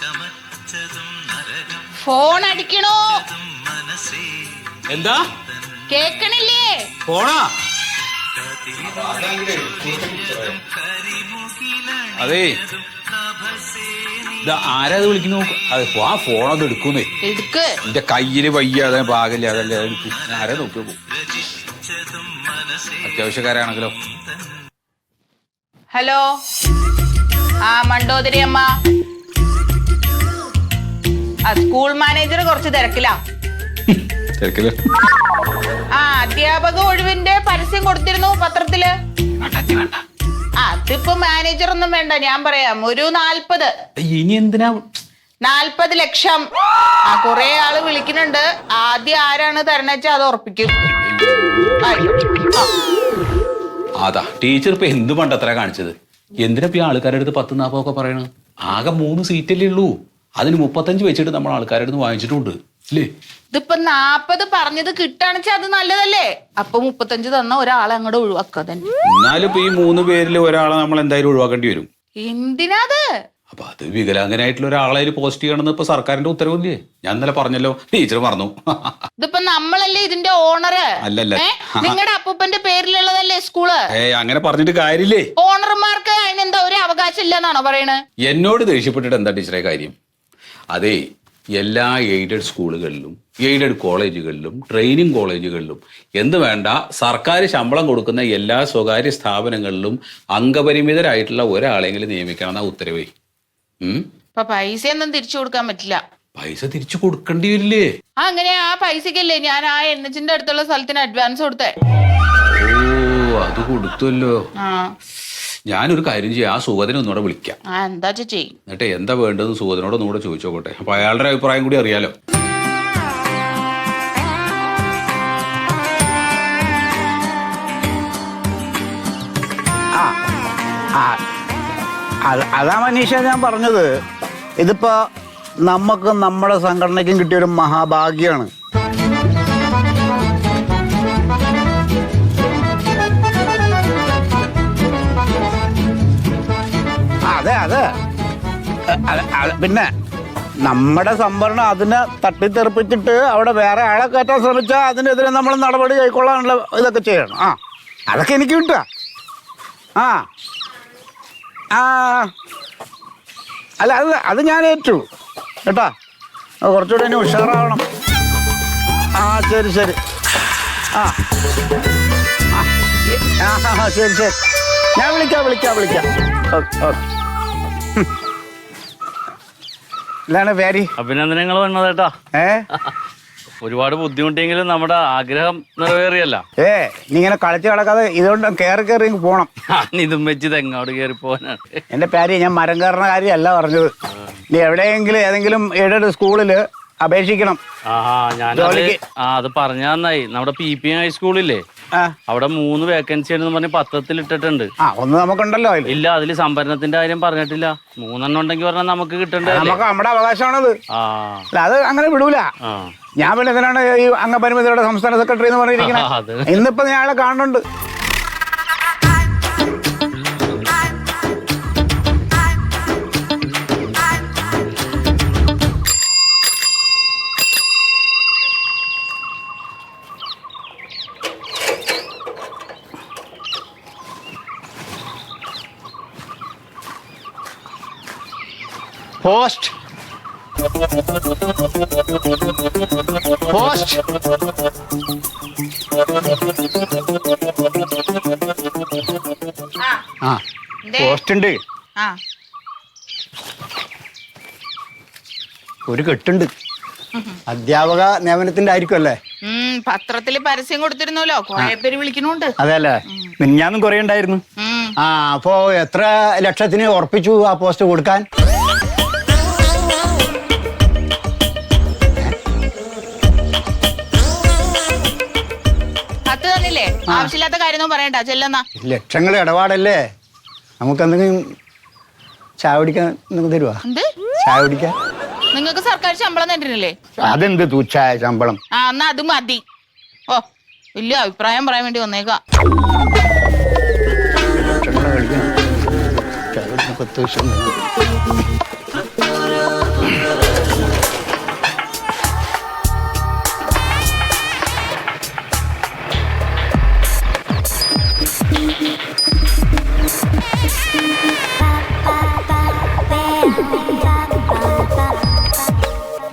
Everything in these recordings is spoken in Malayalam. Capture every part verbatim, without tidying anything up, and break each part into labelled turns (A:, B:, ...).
A: ഫോൺ അടിക്കണോ?
B: എന്താ
A: കേക്കണില്ലേ?
B: ഫോണാ? അതെ ആരാത് വിളിക്കുന്നു? അതെ ആ ഫോണത് എടുക്കുന്നേ.
A: എടുക്ക്.
B: എന്റെ കയ്യില് വയ്യ, അതെ പാകില്ല, അതല്ലേ എടുക്കും. ആരെ നോക്കി നോക്കും. അത്യാവശ്യക്കാരാണെങ്കിലോ.
A: ഹലോ, ആ മണ്ടോദരി അമ്മ. ആ സ്കൂൾ മാനേജർ കുറച്ച് തിരക്കിലാ.
B: തിരക്കില്?
A: ആ അധ്യാപക ഒഴിവിന്റെ പരസ്യം കൊടുത്തിരുന്നു പത്രത്തില്. അതിപ്പോ മാനേജർ ഒന്നും വേണ്ട, ഞാൻ പറയാം. ഒരു നാൽപ്പത്.
B: ഇനി എന്തിനാ?
A: നാൽപ്പത് ലക്ഷം. ആ കൊറേ ആള് വിളിക്കുന്നുണ്ട്. ആദ്യം ആരാണ് തരണച്ച അത് ഉറപ്പിക്കും.
B: അതാ ടീച്ചർ ഇപ്പൊ എന്ത് പണ്ടത്ര കാണിച്ചത്? എന്തിനാ ഇപ്പൊ ആൾക്കാരുടെ അടുത്ത് പത്ത് നാപ്പൊക്കെ പറയണത്? ആകെ മൂന്ന് സീറ്റല്ലേ ഉള്ളൂ. അതിന് മുപ്പത്തഞ്ച് വെച്ചിട്ട് നമ്മൾ ആൾക്കാരുടെ അടുത്ത് വാങ്ങിച്ചിട്ടുണ്ട് അല്ലേ?
A: ഇതിപ്പോ നാപ്പത് പറഞ്ഞത് കിട്ടാണെച്ചാ അത് നല്ലതല്ലേ? അപ്പൊ മുപ്പത്തഞ്ച് തന്ന ഒരാളെ അങ്ങോട്ട് ഒഴിവാക്കുക തന്നെ.
B: എന്നാലും ഇപ്പൊ ഈ മൂന്ന് പേരിൽ ഒരാളെ നമ്മൾ എന്തായാലും ഒഴിവാക്കേണ്ടി വരും.
A: എന്തിനാത്?
B: അപ്പൊ അത് വികലാംഗനായിട്ടുള്ള ഒരാളെ പോസ്റ്റ് ചെയ്യണമെന്ന് ഇപ്പൊ സർക്കാരിന്റെ ഉത്തരവില്ലേ? ഞാൻ ഇന്നലെ പറഞ്ഞല്ലോ, ടീച്ചർ പറഞ്ഞു.
A: ഇതിപ്പോ നമ്മളല്ലേ ഇതിന്റെ ഓണറ്?
B: അല്ലല്ല,
A: നിങ്ങളുടെ അപ്പൂപ്പന്റെ പേരിലുള്ളതല്ലേ സ്കൂള്?
B: ഏയ് അങ്ങനെ പറഞ്ഞിട്ട് കാര്യമില്ലേ.
A: ഓണർമാർക്ക് അതിനെന്താ ഒരു അവകാശം ഇല്ലെന്നാണോ പറയണത്?
B: എന്നോട് ദേഷ്യപ്പെട്ടിട്ട് എന്താ ടീച്ചറെ കാര്യം? അതെ, എല്ലാ എയ്ഡഡ് സ്കൂളുകളിലും എയ്ഡഡ് കോളേജുകളിലും ട്രെയിനിങ് കോളേജുകളിലും എന്ത് വേണ്ട സർക്കാർ ശമ്പളം കൊടുക്കുന്ന എല്ലാ സ്വകാര്യ സ്ഥാപനങ്ങളിലും അംഗപരിമിതരായിട്ടുള്ള ഒരാളെങ്കിലും നിയമിക്കണം എന്നാ ഉത്തരവേ.
A: ഇപ്പൊ പൈസ ഒന്നും തിരിച്ചു കൊടുക്കാൻ പറ്റില്ല.
B: പൈസ തിരിച്ചു കൊടുക്കേണ്ടി വരില്ലേ?
A: ആ അങ്ങനെ ആ പൈസക്കല്ലേ ഞാൻ ആ എൻ എച്ചിന്റെ അടുത്തുള്ള സ്ഥലത്തിന് അഡ്വാൻസ് കൊടുത്തേ.
B: ഓ അത് കൊടുത്തല്ലോ. ഞാനൊരു കാര്യം ചെയ്യാം, ആ സുഗതനെ ഒന്നുകൂടെ വിളിക്കാം.
A: എന്താ ചെയ്യും?
B: എന്നിട്ട് എന്താ വേണ്ടതെന്ന് സുഗതനോട് ഒന്നുകൂടെ ചോദിച്ചോട്ടെ. അപ്പൊ അയാളുടെ അഭിപ്രായം കൂടി അറിയാലോ.
C: അതാ മനീഷ ഞാൻ പറഞ്ഞത്. ഇതിപ്പോ നമുക്ക് നമ്മുടെ സംഘടനയ്ക്കും കിട്ടിയൊരു മഹാഭാഗ്യാണ്. അതെ അതെ പിന്നെ നമ്മുടെ സംവരണം അതിനെ തട്ടിത്തെറിപ്പിച്ചിട്ട് അവിടെ വേറെ ആളെ കയറ്റാൻ ശ്രമിച്ചാൽ അതിനെതിരെ നമ്മൾ നടപടി കൈക്കൊള്ളാനുള്ള ഇതൊക്കെ ചെയ്യണം. ആ അതൊക്കെ എനിക്ക് കിട്ടുക. ആ ആ അല്ല അത് അത് ഞാൻ ഏറ്റു കേട്ടാ. കുറച്ചുകൂടെ ഇനി ഉഷാറാവണം. ആ ശരി ശരി. ആ ആ ശരി ശരി. ഞാൻ വിളിക്കാം വിളിക്കാം വിളിക്കാം. Okay okay. ഇതാണ് പേര്.
D: അഭിനന്ദനങ്ങൾ വന്നതേട്ടാ.
C: ഏ
D: ഒരുപാട് ബുദ്ധിമുട്ടിയെങ്കിലും നമ്മുടെ ആഗ്രഹം നിറവേറിയല്ല.
C: ഏ നീ ഇങ്ങനെ കളിച്ച് കിടക്കാതെ ഇതുകൊണ്ട് കയറി കയറി പോണം.
D: ഇതും വെച്ച് തെങ്ങോട് കയറി പോകാനാണ്
C: എന്റെ പേര്. ഞാൻ മരം കയറുന്ന കാര്യമല്ല പറഞ്ഞത്. നീ എവിടെയെങ്കിലും ഏതെങ്കിലും എയ്ഡഡ് സ്കൂളില് അപേക്ഷിക്കണം.
D: ആ ഞാൻ ആ അത് പറഞ്ഞ നന്നായി. നമ്മുടെ പി പി ഹൈസ്കൂളില്ലേ, അവിടെ മൂന്ന് വേക്കൻസി ആണെന്ന് പറഞ്ഞ് പത്രത്തിൽ ഇട്ടിട്ടുണ്ട്.
C: ആ ഒന്ന് നമുക്കുണ്ടല്ലോ.
D: ഇല്ല, അതില് സംഭരണത്തിന്റെ കാര്യം പറഞ്ഞിട്ടില്ല. മൂന്നെണ്ണം ഉണ്ടെങ്കിൽ പറഞ്ഞാൽ നമുക്ക് കിട്ടണ്ടേ?
C: നമുക്ക് നമ്മുടെ അവകാശമാണത്.
D: ആ
C: അത് അങ്ങനെ വിടൂല. ഞാൻ പിന്നെ ഇതിനാണ് ഈ അംഗപരിമിതരുടെ സംസ്ഥാന സെക്രട്ടറി എന്ന് പറഞ്ഞിരിക്കുന്നത്. ഇന്നിപ്പോ ഞാൻ ആളെ കാണുന്നുണ്ട്. പോസ്റ്റ് പോസ്റ്റ് ആ പോസ്റ്റ് ഉണ്ട്. ഒരു കെട്ടുണ്ട്. അധ്യാപക നിയമനത്തിന്റെ ആയിരിക്കും അല്ലേ?
A: പത്രത്തില് പരസ്യം കൊടുത്തിരുന്നല്ലോ, കുറെ പേര് വിളിക്കുന്നുണ്ട്.
C: അതെ അല്ലേ? മിനിഞ്ഞാന്നും കുറെ ഉണ്ടായിരുന്നു. ആ അപ്പോ എത്ര ലക്ഷത്തിന് ഉറപ്പിച്ചു ആ പോസ്റ്റ് കൊടുക്കാൻ?
A: ആവശ്യമില്ലാത്ത കാര്യമൊന്നും പറയണ്ട, ചെല്ലുന്ന.
C: ലക്ഷങ്ങൾ ഇടപാടല്ലേ, നമുക്ക് എന്തെങ്കിലും ചായ കുടിക്കാൻ തരുവാ? ചായ കുടിക്കാൻ
A: നിങ്ങൾക്ക് സർക്കാർ ശമ്പളം തരുന്നില്ലേ?
C: അതെന്ത് തുച്ഛായ ശമ്പളം?
A: ആ എന്നാ അത് മതി. ഓ വലിയ അഭിപ്രായം പറയാൻ വേണ്ടി വന്നേക്കാം.
C: പത്ത് വർഷം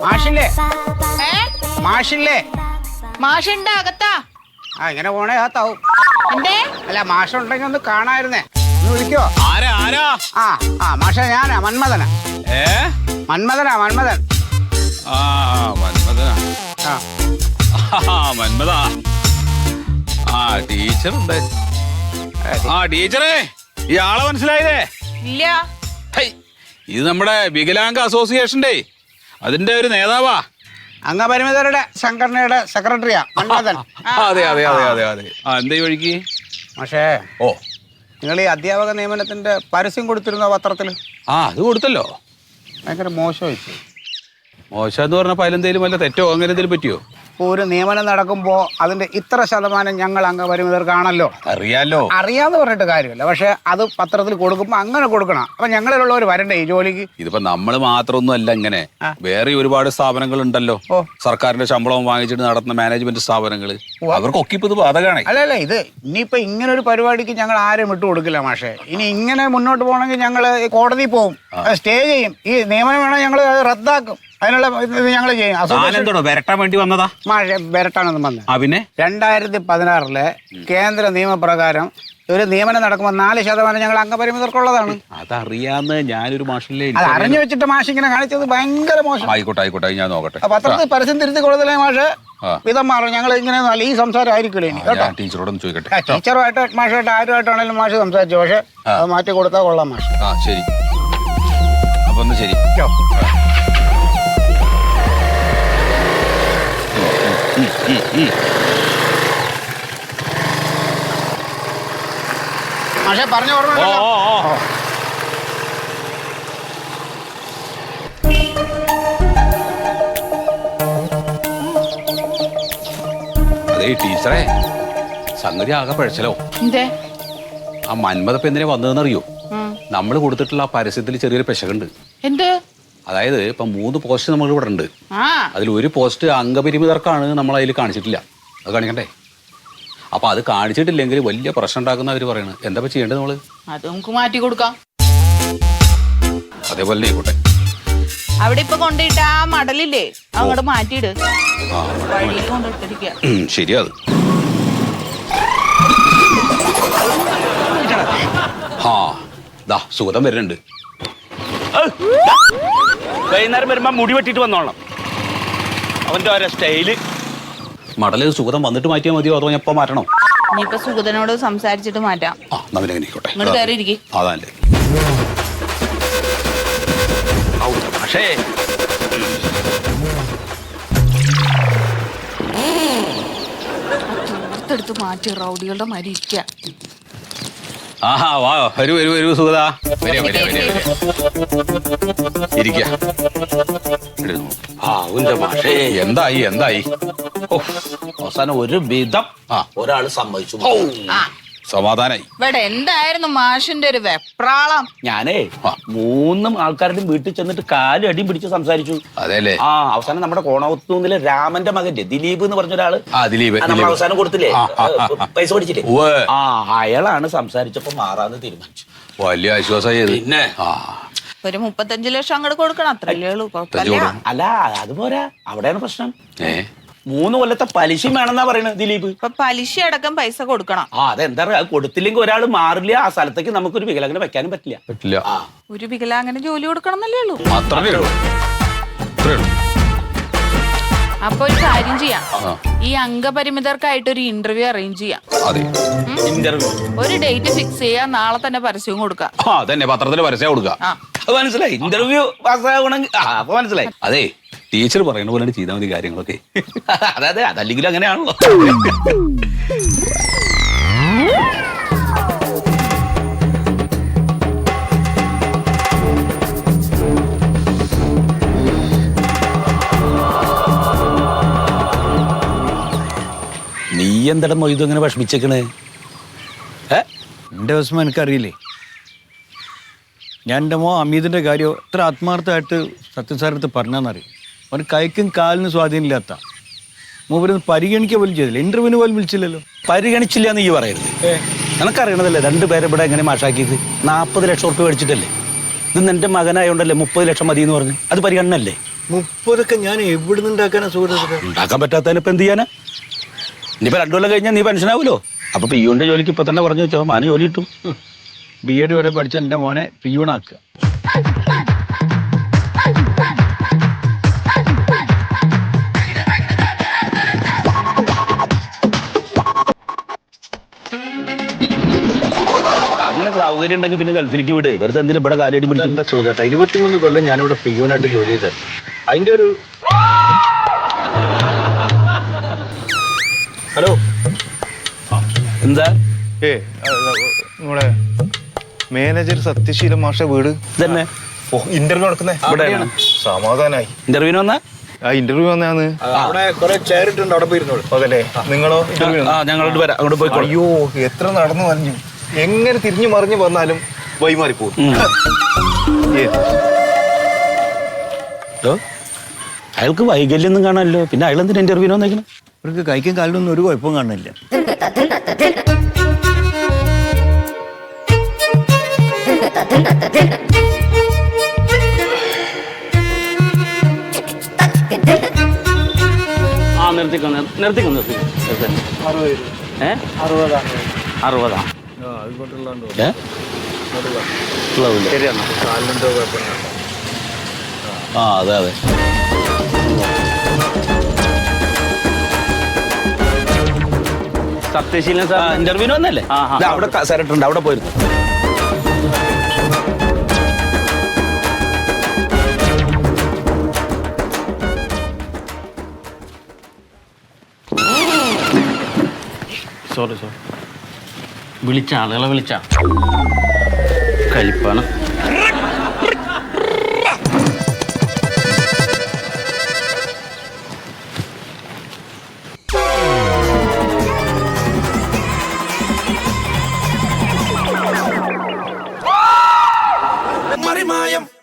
C: മാഷില്ലേ
A: ഏ
C: മാഷില്ലേ
A: മാഷുണ്ട് അകത്താ.
C: ആ ഇങ്ങനെ പോണേ അകത്താവും.
A: എന്തേ?
C: അല്ല മാഷുണ്ടെങ്കിൽ ഒന്ന് കാണായിരുന്നേ, ഒന്ന് വിളിക്കോ?
B: ആരാ ആരാ
C: ആ ആ മാഷ ഞാനാ മന്മഥനാ.
B: ഏ
C: മന്മഥനാ മന്മഥൻ.
B: ആ മന്മഥനാ.
C: ആ
B: ആ മന്മഥാ. ആ ടീച്ചർ ഉണ്ട്. ആ ടീച്ചറേ, ഈ ആളെ മനസ്സിലായില്ലേ?
A: ഇല്ല.
B: ഹൈ, ഇത് നമ്മുടെ വികലാംഗ അസോസിയേഷന്റെ അതിന്റെ ഒരു നേതാവാ.
C: അംഗപരിമിതരുടെ സംഘടനയുടെ സെക്രട്ടറിയാ മന്മഥൻ.
B: അതെ അതെ അതെ അതെ അതെ. ആ എന്താ ഈ വഴിക്ക്?
C: പക്ഷേ
B: ഓ,
C: നിങ്ങൾ ഈ അധ്യാപക നിയമനത്തിന്റെ പരസ്യം കൊടുത്തിരുന്നോ പത്രത്തിൽ?
B: ആ അത് കൊടുത്തല്ലോ.
C: ഭയങ്കര മോശമായി.
B: മോശം എന്ന് പറഞ്ഞപ്പോ അതിലെന്തേലും വല്ല തെറ്റോ അങ്ങനെ എന്തെങ്കിലും പറ്റിയോ?
C: ഇപ്പോൾ ഒരു നിയമനം നടക്കുമ്പോൾ അതിന്റെ ഇത്ര ശതമാനം ഞങ്ങൾ അംഗപരിമിതർക്കാണല്ലോ.
B: അറിയാലോ.
C: അറിയാന്ന് പറഞ്ഞിട്ട് കാര്യമില്ല, പക്ഷെ അത് പത്രത്തിൽ കൊടുക്കുമ്പോൾ അങ്ങനെ കൊടുക്കണം. അപ്പൊ ഞങ്ങളിലുള്ളവർ വരണ്ടേ ഈ ജോലിക്ക്?
B: ഇതിപ്പോ നമ്മള് മാത്രമൊന്നും അല്ല ഇങ്ങനെ, വേറെ ഒരുപാട് സ്ഥാപനങ്ങൾ ഉണ്ടല്ലോ.
C: ഓ.
B: സർക്കാരിന്റെ ശമ്പളവും വാങ്ങിച്ചിട്ട് നടത്തുന്ന മാനേജ്മെന്റ് സ്ഥാപനങ്ങൾ, അവർക്കൊക്കെ ഇപ്പൊ ഇത് ബാധകമാണ്.
C: അല്ല അല്ല ഇത് ഇനിയിപ്പോ ഇങ്ങനെ ഒരു പരിപാടിക്ക് ഞങ്ങൾ ആരും വിട്ടു കൊടുക്കില്ല മാഷെ. ഇനി ഇങ്ങനെ മുന്നോട്ട് പോകണമെങ്കിൽ ഞങ്ങൾ കോടതിയിൽ പോകും, സ്റ്റേ ചെയ്യും. ഈ നിയമനം വേണം ഞങ്ങൾ റദ്ദാക്കും. അതിനുള്ള ഇത് ഞങ്ങൾ ചെയ്യും.
B: വരട്ടാൻ വേണ്ടി വന്നതാ
C: മാഷെ? വരട്ടാണെന്ന് വന്നത്.
B: ആ പിന്നെ
C: രണ്ടായിരത്തി പതിനാറിലെ കേന്ദ്ര നിയമപ്രകാരം ഒരു നിയമനം നടക്കുമ്പോൾ നാല് ശതമാനം ഞങ്ങൾ അംഗപരിമിതർക്കുള്ളതാണ്.
B: അതറിയാന്ന് ഞാനൊരു മാഷില്ലേ.
C: അത് അറിഞ്ഞു വെച്ചിട്ട് മാഷ് ഇങ്ങനെ കാണിച്ചത് ഭയങ്കര മോശം.
B: ആയിക്കോട്ടെ ആയിക്കോട്ടെ, ഞാൻ നോക്കട്ടെ.
C: പത്രത്തിൽ പരസ്യം തിരുത്തി കൊടുത്തില്ലേ മാഷ്? വിധം മാറും. ഞങ്ങൾ ഇങ്ങനെ നല്ല ഈ സംസാരം ആയിരിക്കില്ല ഇനി കേട്ടോ.
B: ടീച്ചറോടൊന്ന് ചോദിക്കട്ടെ.
C: ടീച്ചറുമായിട്ട് മാഷായിട്ട് ആരുമായിട്ടാണെങ്കിലും മാഷ് സംസാരിച്ചു, പക്ഷെ അത് മാറ്റി കൊടുത്താൽ കൊള്ളാം മാഷ്.
B: ആ ശരി, അപ്പൊ ഒന്ന് ശരി.
C: മാഷെ പറഞ്ഞ ഓർമ്മ
B: അതേ ടീച്ചറെ, സംഗതി ആകെ പഴച്ചലോ.
A: എന്തേ?
B: ആ മന്മഥപ്പ് എന്തിനാ വന്നതെന്നറിയോ? നമ്മൾ കൊടുത്തിട്ടുള്ള ആ പരസ്യത്തിൽ ചെറിയൊരു പെശകുണ്ട്.
A: എന്ത്?
B: അതായത് ഇപ്പൊ മൂന്ന് പോസ്റ്റ് നമ്മൾ ഇവിടെ ഉണ്ട്.
A: ആ
B: അതിൽ ഒരു പോസ്റ്റ് അംഗപരിമിതർക്കാണ് നമ്മൾ അതിൽ കാണിച്ചിട്ടില്ല. അത് കാണിക്കണ്ടേ? അപ്പൊ അത് കാണിച്ചിട്ടില്ലെങ്കിൽ വലിയ പ്രശ്നം ഉണ്ടാക്കുന്ന അവര് പറയണത്. എന്താ ചെയ്യേണ്ടത് നമ്മള്?
A: അത് നമുക്ക് മാറ്റി കൊടുക്കാം.
B: അതേപോലെ ആയിക്കോട്ടെ.
A: അവിടെ ഇപ്പൊ കൊണ്ടിട്ട് ആ മടലില്ലേ, അങ്ങോട്ട് മാറ്റിയിട്. വഴിയിൽ കൊണ്ടിട്ടിരിക്കുക.
B: ശരിയാ. അത് ആ ദാ സുഗതം വരുന്നുണ്ട്.
D: വൈകുന്നേരം വരുമ്പോ മുടി വെട്ടിട്ട് വന്നോളണം. അവന്റെ ഓരോ സ്റ്റൈല്.
B: മടല് സുഗതം വന്നിട്ട് മാറ്റിയാൽ മതിയോ അതോ ഞാൻ ഇപ്പൊ മാറ്റണോ?
A: ഇനിയിപ്പൊ സുഗതനോട് സംസാരിച്ചിട്ട് മാറ്റാം.
B: ആ നമ്മിനെ ആയിക്കോട്ടെ.
A: ഇങ്ങോട്ട് കയറി ഇരിക്കും.
B: അതല്ലേ.
D: പക്ഷേ
A: എടുത്ത് മാറ്റി റൗഡികളുടെ മാതിരി ഇരിക്കുക.
B: ആഹാ വാ, വരൂ വരൂ വരൂ സുഗതാ. വരിക വരിക വരിക ഇരിക്ക.
D: പക്ഷേ
B: എന്തായി എന്തായി?
D: അവസാനം ഒരു വിധം
B: ആ
D: ഒരാള് സമ്മതിച്ചു.
B: സമാധാനായി.
A: ഇവിടെ എന്തായിരുന്നു മാഷിന്റെ ഒരു വെപ്രാളം?
D: ഞാനേ മൂന്നും ആൾക്കാരുടെയും വീട്ടിൽ ചെന്നിട്ട് കാലും അടിയും പിടിച്ച് സംസാരിച്ചു.
B: അതെല്ലേ?
D: ആ അവസാനം നമ്മുടെ കോണവത്തൂന്നിലെ രാമന്റെ മകന്റെ ദിലീപ് എന്ന് പറഞ്ഞ ഒരാള്
B: ആ ദിലീപ്
D: നമ്മൾ അവസാനം കൊടുത്തില്ലേ പൈസ കൊടുത്തില്ലേ,
B: ഉവ്വ്.
D: ആ അയാളാണ് സംസാരിച്ചപ്പോ മാറാന്ന് തീരുമാനിച്ചു.
B: വലിയ ആശ്വാസമായി.
D: പിന്നെ
B: ആ
A: ഒരു മുപ്പത്തഞ്ചു ലക്ഷം അങ്ങോട്ട് കൊടുക്കണം, അത്രല്ലേ ഉള്ളൂ. കുഴപ്പമില്ല.
D: അല്ല അതുപോരാ, അവിടെയാണ് പ്രശ്നം.
B: ഏ
D: മൂന്ന് കൊല്ലത്തെ പലിശയും വേണമെന്നാ പറയുന്നത് ദിലീപ്.
A: ഇപ്പൊ പലിശ അടക്കം പൈസ കൊടുക്കണം.
D: ആ അതെന്താ പറയാ, കൊടുത്തില്ലെങ്കിൽ ഒരാൾ മാറില്ല, ആ സ്ഥലത്തേക്ക് നമുക്കൊരു വികലാംഗനെ വെക്കാനും പറ്റില്ല.
B: പറ്റില്ല.
D: ആ
A: ഒരു വികലാംഗന് ജോലി കൊടുക്കണം എന്നല്ലേ ഉള്ളൂ.
B: അത്രേ ഉള്ളൂ. അത്രേ ഉള്ളൂ.
A: അപ്പൊ ഒരു കാര്യം ചെയ്യാം,
B: ആ.
A: ഈ അംഗപരിമിതർക്കായിട്ട് ഒരു ഇന്റർവ്യൂ അറേഞ്ച് ചെയ്യാം.
B: അതെ.
D: ഇന്റർവ്യൂ
A: ഒരു ഡേറ്റ് ഫിക്സ് ചെയ്യാം, നാളെ തന്നെ പരസ്യവും കൊടുക്കാം.
B: ആ അതന്നെ, പത്രത്തിൽ പരസ്യം കൊടുക്കുക.
A: ആ
D: അത് മനസ്സിലായി. ഇന്റർവ്യൂ പാസ്സാവണമെങ്കിൽ ആ അപ്പൊ മനസ്സിലായി.
B: അതെ, ടീച്ചർ പറയുന്ന പോലെ ചെയ്താൽ മതി കാര്യങ്ങളൊക്കെ.
D: അതെ അതെ, അതല്ലെങ്കിലും അങ്ങനെയാണല്ലോ. നീ എന്താണ് മൊയ്തു ഇങ്ങനെ വിഷമിച്ചേക്കണേ? ഏ
E: എൻ്റെ വിഷമം എനിക്കറിയില്ലേ. ഞാൻ എൻ്റെ മോ അമീതിൻ്റെ കാര്യം എത്ര ആത്മാർത്ഥമായിട്ട് സത്യസാരത്ത് പറഞ്ഞാന്നറിയും. അവന് കൈക്കും കാലിനും സ്വാധീനമില്ലാത്ത മൂപ്പരൊന്ന് പരിഗണിക്കുക പോലും ചെയ്തില്ല, ഇന്റർവ്യൂവിന് പോലും വിളിച്ചില്ലല്ലോ.
D: പരിഗണിച്ചില്ല എന്ന് ഈ പറയരുത്. നിനക്കറിയണതല്ലേ രണ്ടുപേരെ ഇവിടെ എങ്ങനെ മാഷാക്കിയത്? നാൽപ്പത് ലക്ഷം ഉറുപ്പ് മേടിച്ചിട്ടല്ലേ. ഇത് നിന്റെ മകനായോണ്ടല്ലേ മുപ്പത് ലക്ഷം മതി എന്ന് പറഞ്ഞു. അത് പരിഗണനല്ലേ?
E: മുപ്പതൊക്കെ ഞാൻ എവിടെ നിന്നുണ്ടാക്കാനാ സുഹൃത്തുക്കളെ?
C: ഉണ്ടാക്കാൻ പറ്റാത്തതിന് ഇപ്പൊ എന്ത് ചെയ്യാനാ? ഇനിയിപ്പോ രണ്ടു കൊല്ലം കഴിഞ്ഞാൽ നീ പെൻഷനാവൂലോ. അപ്പൊ പിയൂന്റെ ജോലിക്ക് ഇപ്പൊ തന്നെ പറഞ്ഞു വെച്ചോ, മാന് ജോലി കിട്ടും.
E: ബി എഡ് വരെ പഠിച്ച എൻ്റെ മോനെ പിയൂണാക്കുക.
C: അങ്ങനെ സൗകര്യം ഉണ്ടെങ്കിൽ പിന്നെ ഗൾഫിലേക്ക് വിട്. വെറുതെ എന്തിനും ഇവിടെ കാലടി പിടിക്കും.
E: ചോദിച്ചേട്ടാ, ഇരുപത്തിമൂന്ന് കൊല്ലം ഞാനിവിടെ പിയൂണായിട്ട് ജോലി ചെയ്തത്. അതിൻ്റെ ഒരു ഹലോ
C: എന്താ
F: ഏ നമ്മുടെ മാനേജർ സത്യശീലൻ മാഷ വീട്
C: ഇതന്നെ
F: ഇന്റർവ്യൂ നടക്കുന്നേ
C: ഇവിടെയാണ്.
F: സമാധാനായി.
C: ഇന്റർവ്യൂവിന് വന്നാ
F: ആ ഇന്റർവ്യൂ വന്നാന്ന്.
E: അവിടെ കുറെ ചേരിട്ടുണ്ട്, അവിടെ പോയിരുന്നോളൂ.
F: അതല്ലേ നിങ്ങളോ ഇന്റർവ്യൂ?
C: ആ ഞങ്ങളോട് വരാം, അങ്ങോട്ട് പോയിക്കോളൂ.
F: അയ്യോ എത്ര നടന്നു പറഞ്ഞു. എങ്ങനെ തിരിഞ്ഞു മറിഞ്ഞു വന്നാലും വൈമാറിപ്പോകും. ഏ,
C: ഹലോ, അയാൾക്ക് വൈകല്യൊന്നും കാണാമല്ലോ, പിന്നെ അയാൾ എന്തിനാ ഇന്റർവ്യൂവിന് വന്നേക്കണം?
E: ഇവർക്ക് കൈക്കും കാലിനൊന്നും ഒരു കുഴപ്പവും കാണുന്നില്ല.
D: ആ നിർത്തിക്കോ നിർ- നിർത്തിക്കോ നിർത്തിക്കോ നിർത്തി. ഏ അറുപതാ
C: ഏ? ഉള്ളതില്ല.
D: ശരിയാണ്.
C: ആ അതെ അതെ.
D: സത്യശീലൻ
C: ആ
D: സാർ
C: ഇന്റർവ്യൂവിന് വന്നല്ലേ?
D: ആ, ആ.
C: ദാ അവിടെ കസേരട്ടുണ്ട്, അവിടെ പോയിരുന്നു.
D: സോറി സോറി വിളിച്ച ആളുകളെ വിളിച്ച കലിപ്പാണ്.